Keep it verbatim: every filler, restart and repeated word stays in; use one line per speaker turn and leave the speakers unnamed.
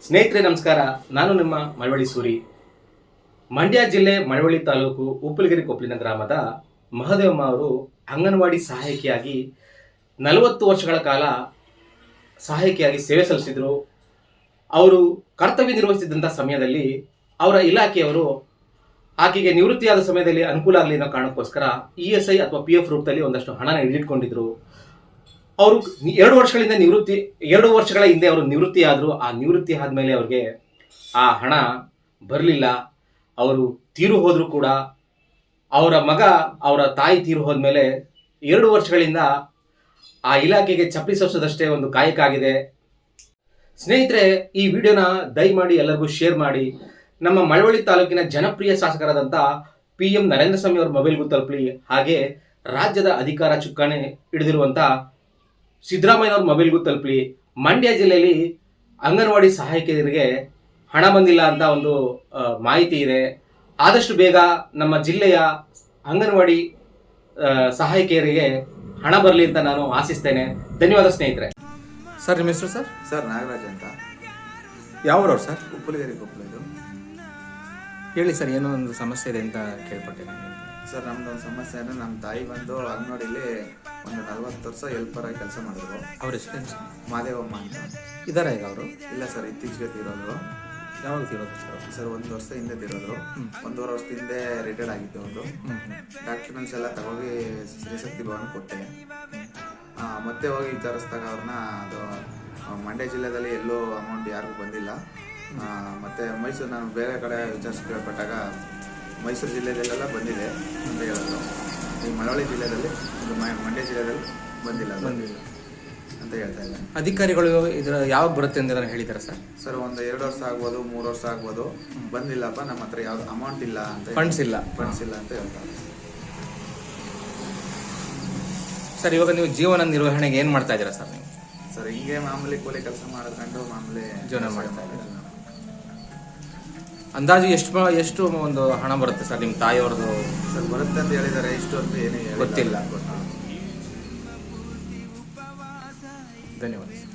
ಸ್ನೇಹಿತರೆ ನಮಸ್ಕಾರ. ನಾನು ನಿಮ್ಮ ಮಳವಳ್ಳಿ ಸೂರಿ. ಮಂಡ್ಯ ಜಿಲ್ಲೆ ಮಳವಳ್ಳಿ ತಾಲೂಕು ಉಪ್ಪಲಗಿರಿ ಕೊಪ್ಪಲಿನ ಗ್ರಾಮದ ಮಹದೇವಮ್ಮ ಅವರು ಅಂಗನವಾಡಿ ಸಹಾಯಕಿಯಾಗಿ ನಲವತ್ತು ವರ್ಷಗಳ ಕಾಲ ಸಹಾಯಕಿಯಾಗಿ ಸೇವೆ ಸಲ್ಲಿಸಿದರು. ಅವರು ಕರ್ತವ್ಯ ನಿರ್ವಹಿಸಿದಂಥ ಸಮಯದಲ್ಲಿ ಅವರ ಇಲಾಖೆಯವರು ಆಕೆಗೆ ನಿವೃತ್ತಿಯಾದ ಸಮಯದಲ್ಲಿ ಅನುಕೂಲ ಆಗಲಿ ಅನ್ನೋ ಕಾರಣಕ್ಕೋಸ್ಕರ ಇ ಎಸ್ ಐ ಅಥವಾ ಪಿ ಎಫ್ ರೂಪದಲ್ಲಿ ಒಂದಷ್ಟು ಹಣನ ಹಿಡಿದಿಟ್ಕೊಂಡಿದ್ರು. ಅವರು ಎರಡು ವರ್ಷಗಳಿಂದ ನಿವೃತ್ತಿ ಎರಡು ವರ್ಷಗಳ ಹಿಂದೆ ಅವರು ನಿವೃತ್ತಿ ಆದರು. ಆ ನಿವೃತ್ತಿ ಆದಮೇಲೆ ಅವ್ರಿಗೆ ಆ ಹಣ ಬರಲಿಲ್ಲ. ಅವರು ತೀರು ಹೋದರೂ ಕೂಡ ಅವರ ಮಗ ಅವರ ತಾಯಿ ತೀರು ಹೋದ್ಮೇಲೆ ಎರಡು ವರ್ಷಗಳಿಂದ ಆ ಇಲಾಖೆಗೆ ಚಪ್ಪಲಿ ಸೋಸೋದಷ್ಟೇ ಒಂದು ಕಾಯಕ ಆಗಿದೆ. ಸ್ನೇಹಿತರೆ, ಈ ವಿಡಿಯೋನ ದಯಮಾಡಿ ಎಲ್ಲರಿಗೂ ಶೇರ್ ಮಾಡಿ. ನಮ್ಮ ಮಳವಳ್ಳಿ ತಾಲೂಕಿನ ಜನಪ್ರಿಯ ಶಾಸಕರಾದಂಥ ಪಿ ಎಂ ನರೇಂದ್ರ ಸ್ವಾಮಿ ಅವರ ಮೊಬೈಲ್ಗೂ ತಲುಪಲಿ. ಹಾಗೆ ರಾಜ್ಯದ ಅಧಿಕಾರ ಚುಕ್ಕಾಣಿ ಹಿಡಿದಿರುವಂಥ ಸಿದ್ದರಾಮಯ್ಯನವ್ರ ಮೊಬೈಲ್ಗೂ ತಲುಪಲಿ. ಮಂಡ್ಯ ಜಿಲ್ಲೆಯಲ್ಲಿ ಅಂಗನವಾಡಿ ಸಹಾಯಕಿಯರಿಗೆ ಹಣ ಬಂದಿಲ್ಲ ಅಂತ ಒಂದು ಮಾಹಿತಿ ಇದೆ. ಆದಷ್ಟು ಬೇಗ ನಮ್ಮ ಜಿಲ್ಲೆಯ ಅಂಗನವಾಡಿ ಸಹಾಯಕಿಯರಿಗೆ ಹಣ ಬರಲಿ ಅಂತ ನಾನು ಆಶಿಸ್ತೇನೆ. ಧನ್ಯವಾದ ಸ್ನೇಹಿತರೆ.
ಸರ್, ನಿಮ್ಮ ಹೆಸರು ಸರ್?
ಸರ್, ನಾಗರಾಜ್ ಅಂತ.
ಯಾವ್ರವ್ರು ಸರ್?
ಉಪ್ಪಲಗಿರಿ ಕೊಪ್ಪಳದು.
ಹೇಳಿ ಸರ್, ಏನೋ ಒಂದು ಸಮಸ್ಯೆ ಇದೆ ಅಂತ ಕೇಳ್ಪಟ್ಟೆ ನಾನು.
ಸರ್, ನಮ್ದು ಒಂದು ಸಮಸ್ಯೆ ಅಂದರೆ ನಮ್ಮ ತಾಯಿ ಬಂದು ಅಂಗನವಾಡಿಲಿ ಒಂದು ನಲ್ವತ್ತು ವರ್ಷ ಹೆಲ್ಪರ್ ಆಗಿ ಕೆಲಸ ಮಾಡಿದ್ರು.
ಅವ್ರ ಹೆಸರೇನು ಸರ್?
ಮಾದೇವಮ್ಮ ಅಂತ
ಇದಾರೆ ಈಗ ಅವರು?
ಇಲ್ಲ ಸರ್, ಇತ್ತೀಚೆಗೆ ತೀರೋದ್ರು.
ಯಾವಾಗ ತೀರೋದು ಸರ್?
ಸರ್, ಒಂದು ವರ್ಷ ಹಿಂದೆ ತೀರೋದ್ರು. ಒಂದೂವರೆ ವರ್ಷದ ಹಿಂದೆ ರಿಟೈರ್ಡ್ ಆಗಿತ್ತು ಅವರು. ಡಾಕ್ಯುಮೆಂಟ್ಸ್ ಎಲ್ಲ ತಗೋಗಿ ಶ್ರೀಶಕ್ತಿ ಭವನ ಕೊಟ್ಟೆ. ಮತ್ತೆ ಹೋಗಿ ವಿಚಾರಿಸಿದಾಗ ಅವ್ರನ್ನ ಅದು ಮಂಡ್ಯ ಜಿಲ್ಲೆಯಲ್ಲಿ ಎಲ್ಲೂ ಅಮೌಂಟ್ ಯಾರಿಗೂ ಬಂದಿಲ್ಲ. ಮತ್ತು ಮೈಸೂರು, ನಾನು ಬೇರೆ ಕಡೆ ವಿಚಾರಿಸಿ ಕೇಳ್ಪಟ್ಟಾಗ ಮೈಸೂರು ಜಿಲ್ಲೆಯಲ್ಲೆಲ್ಲ ಬಂದಿದೆ ಅಂತ ಹೇಳಿದ್ರು. ಈ ಮಳವಳ್ಳಿ ಜಿಲ್ಲೆಯಲ್ಲಿ ಇದು ಮಂಡ್ಯ ಜಿಲ್ಲೆಯಲ್ಲಿ ಬಂದಿಲ್ಲ ಬಂದಿಲ್ಲ ಅಂತ ಹೇಳ್ತಾ ಇದ್ದಾರೆ.
ಅಧಿಕಾರಿಗಳು ಇದರ ಯಾವಾಗ ಬರುತ್ತೆ ಅಂತ ಹೇಳಿದ್ದಾರೆ ಸರ್?
ಸರ್, ಒಂದು ಎರಡು ವರ್ಷ ಆಗ್ಬೋದು, ಮೂರು ವರ್ಷ ಆಗ್ಬೋದು. ಬಂದಿಲ್ಲಪ್ಪ, ನಮ್ಮ ಹತ್ರ ಯಾವ್ದು ಅಮೌಂಟ್ ಇಲ್ಲ ಅಂತ,
ಫಂಡ್ಸ್ ಇಲ್ಲ
ಫಂಡ್ಸ್ ಇಲ್ಲ ಅಂತ ಹೇಳ್ತಾರೆ.
ಸರ್, ಇವಾಗ ನೀವು ಜೀವನ ನಿರ್ವಹಣೆಗೆ ಏನು ಮಾಡ್ತಾ ಇದ್ದೀರಾ ಸರ್ ನೀವು?
ಸರ್, ಹಿಂಗೆ ಮಾಮೂಲಿ ಕೂಲಿ ಕೆಲಸ ಮಾಡ್ಕೊಂಡು ಮಾಮೂಲಿ
ಜೀವನ ಮಾಡ್ತಾ ಇದ್ದೀರಾ. ಅಂದಾಜು ಎಷ್ಟು ಎಷ್ಟು ಒಂದು ಹಣ ಬರುತ್ತೆ ಸರ್ ನಿಮ್ಮ ತಾಯಿಯವ್ರದ್ದು?
ಸರ್, ಬರುತ್ತೆ ಅಂತ ಹೇಳಿದ್ದಾರೆ. ಇಷ್ಟು ಅಂತ ಏನೇ
ಗೊತ್ತಿಲ್ಲ. ಧನ್ಯವಾದ.